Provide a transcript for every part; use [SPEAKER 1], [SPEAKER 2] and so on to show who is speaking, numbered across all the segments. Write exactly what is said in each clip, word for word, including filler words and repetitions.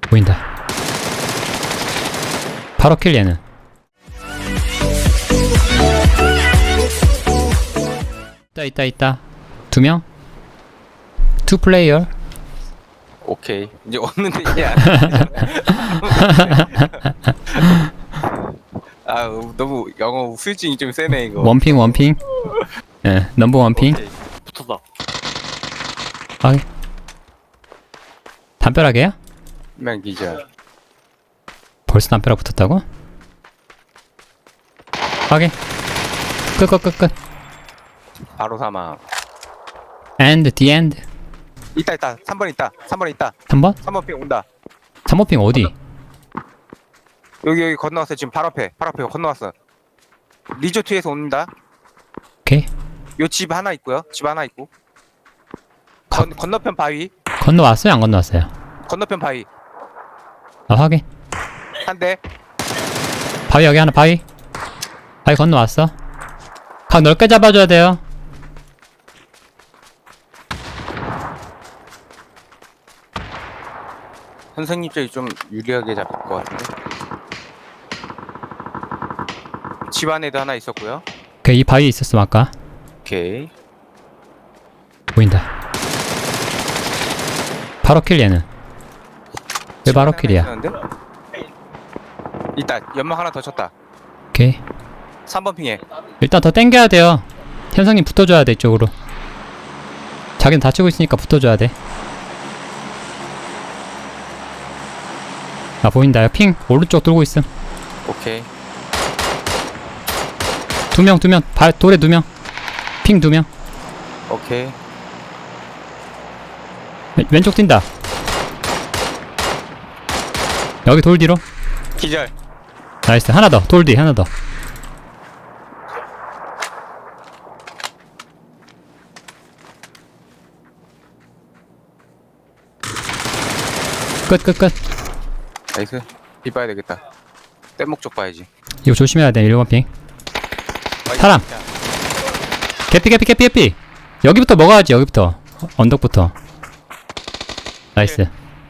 [SPEAKER 1] 보인다. 바로 킬 얘는. 있다 있다 있다. 두 명? 투 플레이어.
[SPEAKER 2] 오케이. 이제 없는데 이게 안 아, 너무 영어 후유증이 좀 세네 이거.
[SPEAKER 1] 원핑 원핑. 예, 넘버 원핑.
[SPEAKER 2] 오케이. 붙었다.
[SPEAKER 1] 아, 담벼락이야?
[SPEAKER 2] 명 기절.
[SPEAKER 1] 벌써 담벼락 붙었다고? 확인. 끝 끝 끝 끝.
[SPEAKER 2] 바로 사망.
[SPEAKER 1] And the end.
[SPEAKER 2] 있다 있다. 삼 번 있다. 삼 번 있다.
[SPEAKER 1] 삼 번?
[SPEAKER 2] 삼 번 핑 온다.
[SPEAKER 1] 삼 번 핑 어디?
[SPEAKER 2] 여기 여기 건너왔어. 지금 바로 앞에. 바로 앞에 건너왔어. 리조트에서 온다.
[SPEAKER 1] 오케이.
[SPEAKER 2] 요 집 하나 있고요. 집 하나 있고. 건, 건너편 바위.
[SPEAKER 1] 건너왔어요? 안 건너왔어요?
[SPEAKER 2] 건너편 바위.
[SPEAKER 1] 아, 확인.
[SPEAKER 2] 한 대.
[SPEAKER 1] 바위 여기 하나 바위. 바위 건너왔어. 각 넓게 잡아줘야 돼요.
[SPEAKER 2] 선생님 쪽이 좀 유리하게 잡힐 것 같은데. 집 안에도 하나 있었고요.
[SPEAKER 1] 오케이, 이 바위 있었음 아까.
[SPEAKER 2] 오케이.
[SPEAKER 1] 보인다. 바로 킬 얘는. 왜 바로
[SPEAKER 2] 하나
[SPEAKER 1] 킬이야?
[SPEAKER 2] 있었는데? 있다. 연막 하나 더 쳤다.
[SPEAKER 1] 오케이.
[SPEAKER 2] 삼 번 핑에.
[SPEAKER 1] 일단 더 땡겨야 돼요. 현성님 붙어줘야 돼 이쪽으로. 자기는 다치고 있으니까 붙어줘야 돼. 아, 보인다. 핑 오른쪽 돌고 있음.
[SPEAKER 2] 오케이.
[SPEAKER 1] 두 명, 두 명. 발 돌에 두 명. 핑 두 명.
[SPEAKER 2] 오케이.
[SPEAKER 1] 왼, 왼쪽 뛴다. 여기 돌 뒤로.
[SPEAKER 2] 기절.
[SPEAKER 1] 나이스. 하나 더. 돌 뒤 하나 더. 끝, 끝, 끝.
[SPEAKER 2] 나이스. 비 봐야 되겠다. 뗏목 쪽 봐야지.
[SPEAKER 1] 이거 조심해야 돼. 일 번 핑.
[SPEAKER 2] 아이,
[SPEAKER 1] 사람.
[SPEAKER 2] 진짜.
[SPEAKER 1] 개피, 개피, 개피, 개피. 여기부터 먹어야지. 여기부터. 어, 언덕부터. 나이스.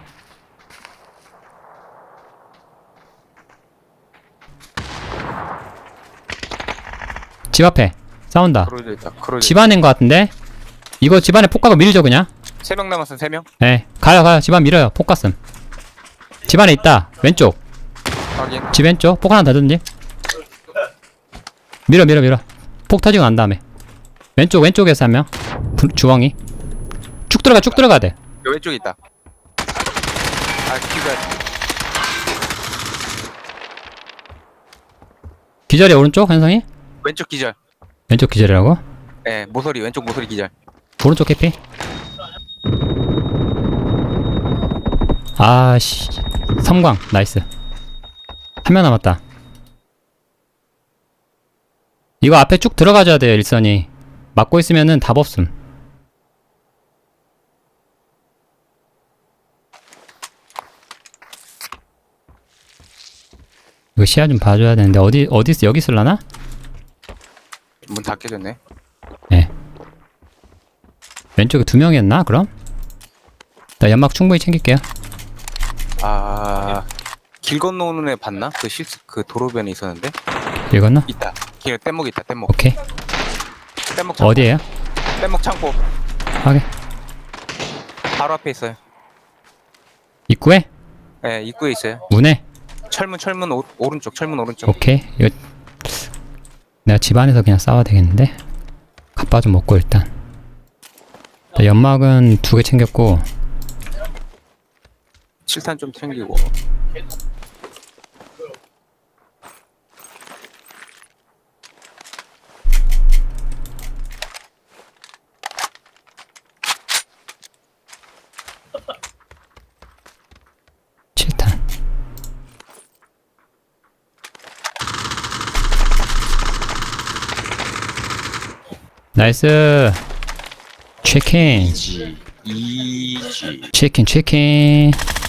[SPEAKER 1] 집 앞에 싸운다.
[SPEAKER 2] 크로즈 있다. 크로즈.
[SPEAKER 1] 집 안인 것 같은데? 이거 집 안에 폭가고 밀죠 그냥?
[SPEAKER 2] 세 명 남았어. 세 명.
[SPEAKER 1] 예, 가요 가요. 집 안 밀어요. 폭 갔음. 집 안에 있다. 왼쪽.
[SPEAKER 2] 확인.
[SPEAKER 1] 집 왼쪽. 폭 하나 더 던지. 밀어 밀어 밀어. 폭 터지고 난 다음에 왼쪽 왼쪽에서 한 명. 부- 주황이. 쭉 들어가 쭉 들어가야 돼.
[SPEAKER 2] 요 왼쪽에 있다. 아, 기절.
[SPEAKER 1] 기절이 오른쪽 현성이?
[SPEAKER 2] 왼쪽 기절.
[SPEAKER 1] 왼쪽 기절이라고?
[SPEAKER 2] 예, 모서리 왼쪽 모서리 기절.
[SPEAKER 1] 오른쪽 캐피. 아씨. 섬광 나이스. 한 명 남았다. 이거 앞에 쭉 들어가줘야 돼요 일선이. 막고 있으면은 답 없음. 이거 시야 좀 봐줘야 되는데 어디 어디 있어? 여기 있을라나?
[SPEAKER 2] 문 다 깨졌네.
[SPEAKER 1] 네. 왼쪽에 두 명이었나 그럼? 나 연막 충분히 챙길게요.
[SPEAKER 2] 아, 길 건너오는 애 봤나? 그 실수 그 도로변에 있었는데.
[SPEAKER 1] 읽었나?
[SPEAKER 2] 있다. 길 뗏목 있다. 뗏목.
[SPEAKER 1] 오케이.
[SPEAKER 2] 뗏목 창고.
[SPEAKER 1] 어디에요?
[SPEAKER 2] 뗏목 창고.
[SPEAKER 1] 확인.
[SPEAKER 2] 바로 앞에 있어요.
[SPEAKER 1] 입구에?
[SPEAKER 2] 예, 입구에 있어요.
[SPEAKER 1] 문에?
[SPEAKER 2] 철문 철문 오, 오른쪽 철문 오른쪽.
[SPEAKER 1] 오케이. 이거 내가 집 안에서 그냥 싸워야 되겠는데? 갑바 좀 먹고 일단. 나 연막은 두 개 챙겼고
[SPEAKER 2] 칠탄 좀 챙기고.
[SPEAKER 1] 칠탄. 나이스. 치킨.
[SPEAKER 2] 이지. 이지.
[SPEAKER 1] 치킨 치킨.